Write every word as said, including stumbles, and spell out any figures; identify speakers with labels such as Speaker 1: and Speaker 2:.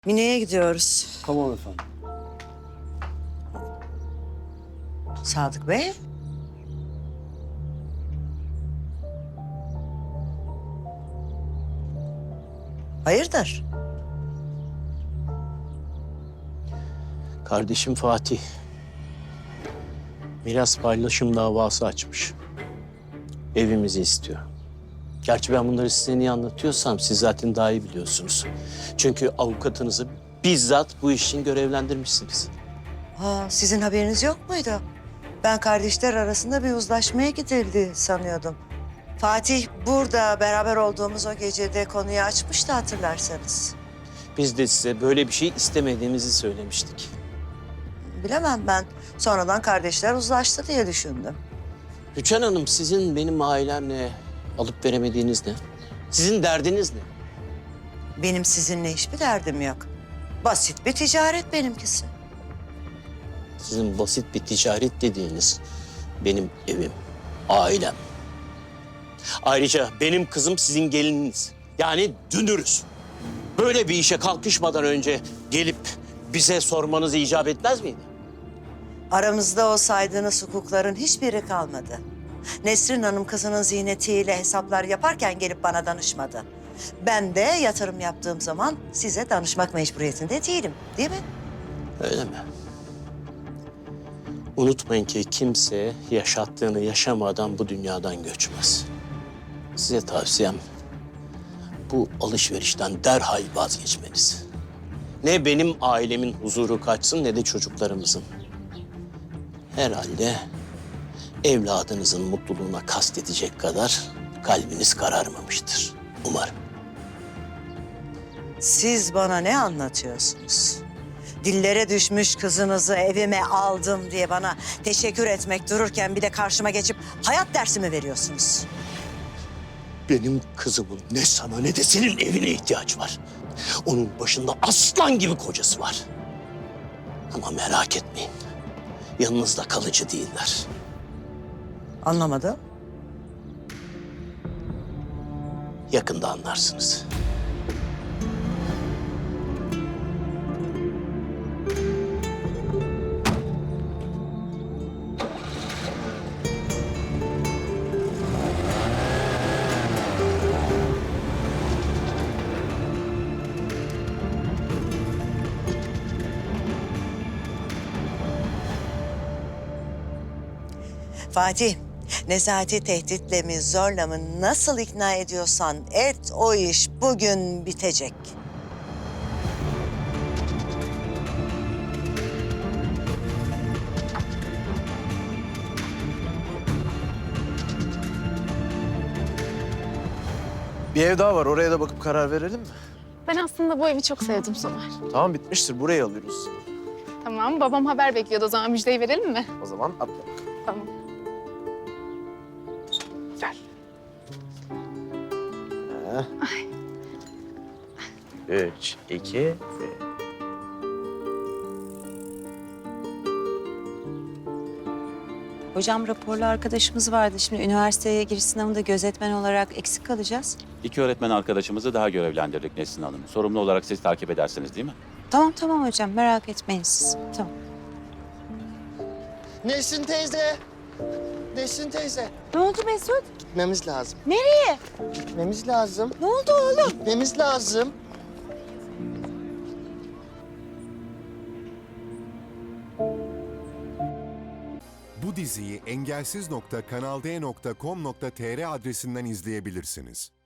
Speaker 1: Mine'ye gidiyoruz.
Speaker 2: Tamam efendim.
Speaker 1: Sadık Bey. Hayırdır?
Speaker 3: Kardeşim Fatih miras paylaşım davası açmış. Evimizi istiyor. Gerçi ben bunları size niye anlatıyorsam siz zaten daha iyi biliyorsunuz. Çünkü avukatınızı bizzat bu iş için görevlendirmişsiniz.
Speaker 1: Ha, sizin haberiniz yok muydu? Ben kardeşler arasında bir uzlaşmaya gidildi sanıyordum. Fatih burada beraber olduğumuz o gecede konuyu açmıştı hatırlarsanız.
Speaker 3: Biz de size böyle bir şey istemediğimizi söylemiştik.
Speaker 1: Bilemem ben. Sonradan kardeşler uzlaştı diye düşündüm.
Speaker 3: Rüçhan Hanım, sizin benim ailemle alıp veremediğiniz ne? Sizin derdiniz ne?
Speaker 1: Benim sizinle hiçbir derdim yok. Basit bir ticaret benimkisi.
Speaker 3: Sizin basit bir ticaret dediğiniz benim evim, ailem. Ayrıca benim kızım sizin gelininiz. Yani dünürüz. Böyle bir işe kalkışmadan önce gelip bize sormanız icap etmez miydi?
Speaker 1: Aramızda o saydığınız hukukların hiçbiri kalmadı. Nesrin Hanım kızının ziynetiyle hesaplar yaparken gelip bana danışmadı. Ben de yatırım yaptığım zaman size danışmak mecburiyetinde değilim, değil mi?
Speaker 3: Öyle mi? Unutmayın ki kimse yaşattığını yaşamadan bu dünyadan göçmez. Size tavsiyem bu alışverişten derhal vazgeçmeniz. Ne benim ailemin huzuru kaçsın ne de çocuklarımızın. Herhalde evladınızın mutluluğuna kastedecek kadar kalbiniz kararmamıştır. Umarım.
Speaker 1: Siz bana ne anlatıyorsunuz? Dillere düşmüş kızınızı evime aldım diye bana teşekkür etmek dururken bir de karşıma geçip hayat dersi mi veriyorsunuz?
Speaker 3: Benim kızımın ne sana ne de senin evine ihtiyaç var. Onun başında aslan gibi kocası var. Ama merak etmeyin. Yanınızda kalıcı değiller.
Speaker 1: Anlamadım.
Speaker 3: Yakında anlarsınız.
Speaker 1: Fatih, Nezahati tehditle mi zorla mı nasıl ikna ediyorsan et, o iş bugün bitecek.
Speaker 4: Bir ev daha var. Oraya da bakıp karar verelim mi?
Speaker 5: Ben aslında bu evi çok sevdim Somer.
Speaker 4: Tamam, bitmiştir. Burayı alıyoruz.
Speaker 5: Tamam, babam haber bekliyordu. O zaman müjdeyi verelim mi?
Speaker 4: O zaman atla.
Speaker 5: Tamam.
Speaker 4: Gel. Üç, iki, bir.
Speaker 6: Hocam raporlu arkadaşımız vardı. Şimdi üniversiteye giriş sınavında gözetmen olarak eksik kalacağız.
Speaker 7: İki öğretmen arkadaşımızı daha görevlendirdik Nesrin Hanım. Sorumlu olarak siz takip edersiniz değil mi?
Speaker 6: Tamam tamam hocam, merak etmeyin siz. Tamam.
Speaker 8: Nesrin teyze. Nesrin teyze.
Speaker 6: Ne oldu Mesut?
Speaker 8: Gitmemiz lazım.
Speaker 6: Nereye?
Speaker 8: Gitmemiz lazım.
Speaker 6: Ne oldu oğlum?
Speaker 8: Gitmemiz lazım.
Speaker 9: Bu diziyi engelsiz nokta kanal d nokta com nokta tr adresinden izleyebilirsiniz.